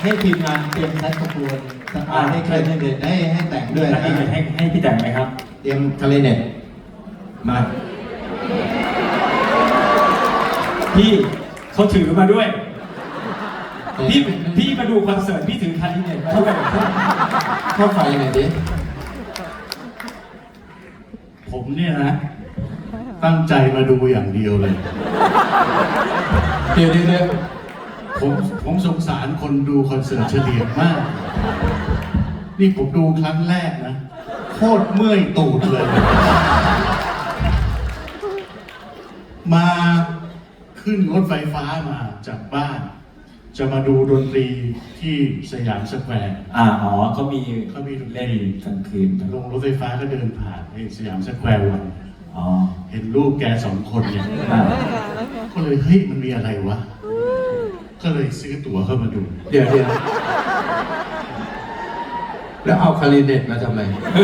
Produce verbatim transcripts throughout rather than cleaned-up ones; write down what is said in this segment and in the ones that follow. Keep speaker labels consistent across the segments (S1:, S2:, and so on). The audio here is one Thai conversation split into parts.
S1: ให้ทีมงานเตรียมแซกโซโฟนอ่าให้ใครให้เด็ดให้ให้แต่งด้วย
S2: แล้
S1: นะ
S2: วให้ให้ให้พี่แต่งไหมครับ
S1: เตรียมคาริเน็ตมา
S2: พี่เขาถือมาด้วย พี่พี่มาดูคอนเสิร์ตพี่ถือคาริเน็ตมาด้วย
S1: เข้าไฟหน่อยดิ
S3: ผมเนี่ยนะ ตั้งใจมาดูอย่างเดียวเลย
S1: เดี๋ยวเดี๋ยวเดี๋ยว
S3: ผมผมสงสารคนดูคอนเสิร์ตเฉลี่ยมาก นี่ผมดูครั้งแรกนะ โคตรเมื่อยตูดเลย มาขึ้นรถไฟฟ้ามาจากบ้าน จะมาดูดนตรีที่สยามสแควร์
S2: อ่าอ๋อเขามี
S3: เขามีดนต
S2: เล่น
S3: รี
S2: กลางคืน
S3: ลงรถไฟฟ้าก็เดินผ่านไอ้สยามสแควร์วัน
S2: อ๋อ
S3: เห็นรูปแกสองคนเนี่ย
S2: อ่า
S3: ก็เลยเฮ้ยมันมีอะไรวะ ก็เลยซื้อตั๋วเข้ามาดู
S1: เดี๋ยวเดี๋ยวแล้วเอาคาริเน็ตมาทำไม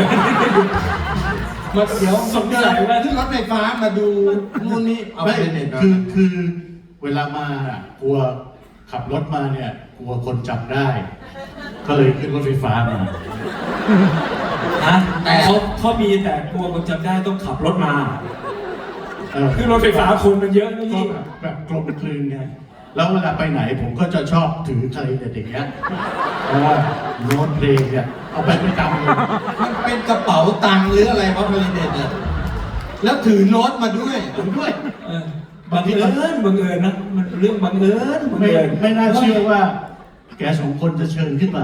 S1: มาเดี๋ยว
S2: สงสัยว่า
S1: ขึ้นรถไฟฟ้ามาดูนู่นนี่เอา
S3: ไม่
S1: คาริเน็ตมา
S3: คือคือเวลามาอ่ะกลัวขับรถมาเนี่ยกลัวคนจับได้ ก็เลยขึ้นรถไฟฟ้ามา
S2: ฮะแต่เขาเขามีแต่กลัวคนจำได้ต้องขับรถมา
S3: เออ
S2: คือรถไฟฟ้าคนมันเยอะนะ
S3: ก็
S2: พี่
S3: แบบแบบกลมกลืนไงแล้วเวลาไปไหนผมก็จะชอบถือคาริเน็ตอย่างเงี้ยเพราะว่าโน้ตเพลงเนี่ยเอาไปประจำเลย
S1: มันเป็นกระเป๋าตังค์หรืออะไรวะคาริเน็ตเนี่ยแล้วถือโน้ตมาด้วย
S3: ผมด้วย
S2: เออบังเอิญบังเอิญนะมันเรื่องบังเอิญบัง
S3: ไม่
S2: เอิญ
S3: ไม่น่าเชื่อว่า แกสองคนจะเชิญขึ้นมา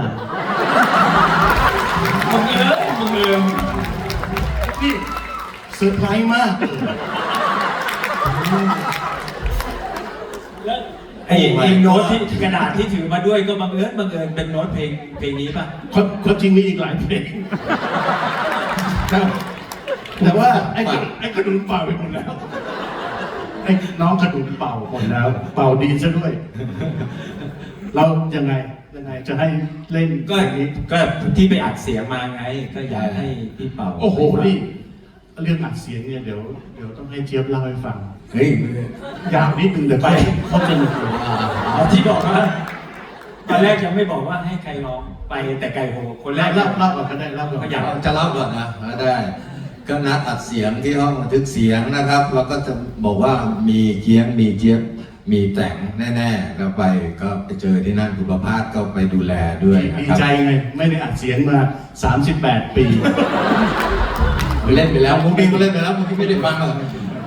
S2: บังเอิญบังเอิญ
S3: นี่เซอร์ไพรส์มากเลย
S2: แล้วไอ้ไอ้โน้ตที่กระดาษที่ถือมาด้วยก็บังเอิญบังเอิญเป็นโน้ตเพลงเพลงนี้ป่ะ
S3: ความความจริงมีอีกหลายเพลงแต่แต่ว่าไอ้กระไอ้กระดุมเป่าไปหมดแล้ว ไอ้น้องกระดุมเป่าหมดแล้ว เป่าดีซะด้วย เรายังไงยังไงจะให้เล่น
S2: ก็
S3: อย่างนี้
S2: ก็ที่ไปอัดเสียงมาไง ก็อยากให้พี่เป่า
S3: โอ้โหนี่เรื่องอัดเสียงเนี่ยเดี๋ยวเดี๋ยวต้องให้เจี๊ยบเล่าให้ฟัง
S2: เฮ้ย
S3: ยาวนิดนึงเดี๋ยวไปเขาจะหนุกเลย
S2: เอาที่บอกว่าตอนแรกยังไม่บอกว่าให้ใครร้องไปแต่ไก่โหคนแร
S3: เล่าก เล่าเล่าก่อนก็ได้เล่าก่อน
S2: ก็อยาก
S4: จะเล่าก่อนนะได้ ก็นัดอัดเสียงที่ห้องบันทึกเสียงนะครับ แล้วก็จะบอกว่ามีเกียงมีเจี๊ยบมีแต่งแน่ๆแล้วไปก็ไปเจอที่นั่นคุณประภาสก็ไปดูแลด้วยนะ
S3: ดี
S4: ครับ
S3: ใจไงไม่ได้อัดเสียงมาสามสิบแปดปี
S4: เล่นไปแล้วมุกนี้ก็เล่นไปแล้วมุกนี้ไม่ได้ฟังหรอก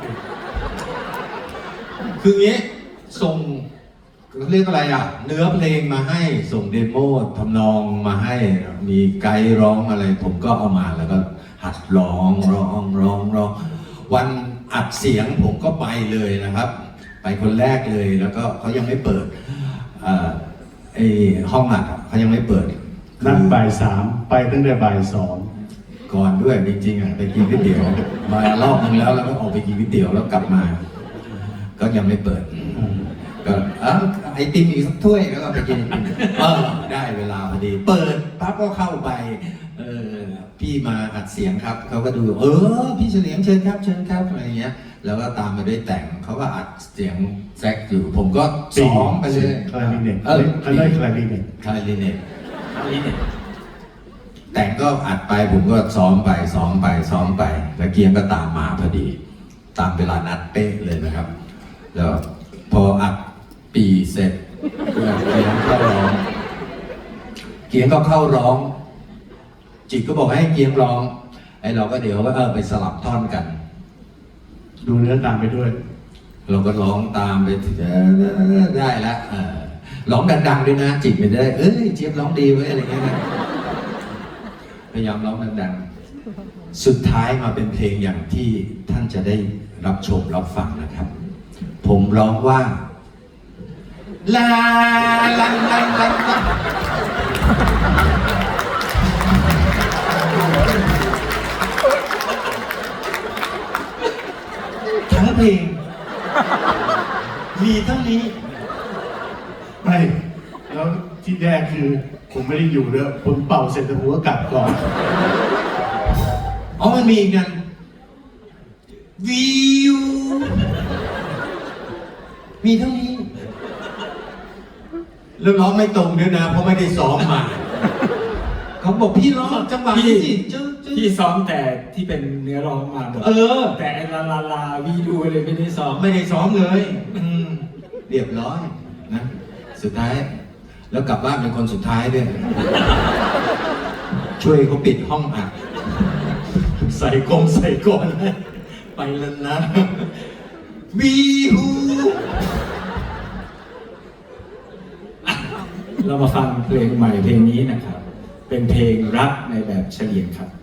S4: คืองี้ส่งเรียกอะไรอ่ะ เนื้อเพลงมาให้ส่งเดโมทำนองมาให้มีไกด์ร้องอะไร ผมก็เอามาแล้วก็หัดร้องร้องร้องร้องวันอัดเสียงผมก็ไปเลยนะครับ ไปคนแรกเลยแล้วก็เขายังไม่เปิดเอ่อไอห้องอัดอะเขายังไม่เปิด
S3: นัดบ่ายสามไปตั้งแต่บ่ายสอง
S4: ก่อนด้วยจริงๆอ่ะไปกินก๋วยเตี๋ยวมารอบนึงแล้วแล้วก็ออกไปกินก๋วยเตี๋ยวแล้วกลับมา ก็ยังไม่เปิด ก็เอ้าไอติมอีกสักถ้วยแล้วก็ไปกินเออได้เวลาพอดี เปิดปั๊บก็เข้าไปเออพี่มาอัดเสียงครับเขาก็ดูเออพี่เฉลียงเชิญครับเชิญครับอะไรเงี้ย แล้วก็ตามมาด้วยแต่งเขาก็อัดเสียงแซกอยู่ ผมก็ซ้อมไปเลย
S3: คลาริเน็ต
S4: เออ
S3: เขาได้คลาริเน็ต
S4: คลาริเน็ตแต่งก็อัดไปผมก็ซ้อมไปซ้อมไปซ้อมไปแล้วเกียงก็ตามมาพอดี ตามเวลานัดเป๊ะเลยนะครับ แล้วพออัดปีเสร็จเกียงเข้าร้องเกียงก็เข้าร้อง จิตก็บอกให้เกียงร้องไอ้เราก็เดี๋ยวก็เออไปสลับท่อนกัน
S3: ดูเนื้อตามไปด้วย
S4: เราก็ร้องตามไปถึงได้แล้วเออร้องดังๆด้วยนะ จิตไม่ได้เอ้ยเจี๊ยบร้องดีเว้ยอะไรเงี้ยนะพยายามร้องดังๆสุดท้ายมาเป็นเพลงอย่างที่ท่านจะได้รับชมรับฟังนะครับ ผมร้องว่าลาลันลันลันลันทั้งเพลงมีเท่านี้
S3: ไม่ แล้วที่แรกคือผมไม่ได้อยู่เลยผมเป่าเสร็จแต่ผมก็กลับก่อน
S4: อ๋อมันมีอีกกันวิวมีเท่านี้แล้วร้องไม่ตรงด้วยนะ เพราะไม่ได้ซ้อมมา
S1: เขาบอกพี่ร้องจังหวะ
S2: พี่
S1: นี้สิจึ๊งจึ๊ง
S2: พี่ซ้อมแต่ที่เป็นเนื้อร้องมาหมด
S1: เออ
S2: แต่ไอ้ลาลาลาวีดูเลยไม่ได้ซ้อม
S1: ไม่ได้ซ้อมเลย อืม
S4: เรียบร้อยนะ สุดท้าย แล้วกลับบ้านเป็นคนสุดท้ายด้วย ช่วยเขาปิดห้องอัดใส่กงใส่กอนไปแล้วนะวีฮู
S2: เรามาฟังเพลงใหม่เพลงนี้นะครับ เป็นเพลงรักในแบบเฉลียงครับ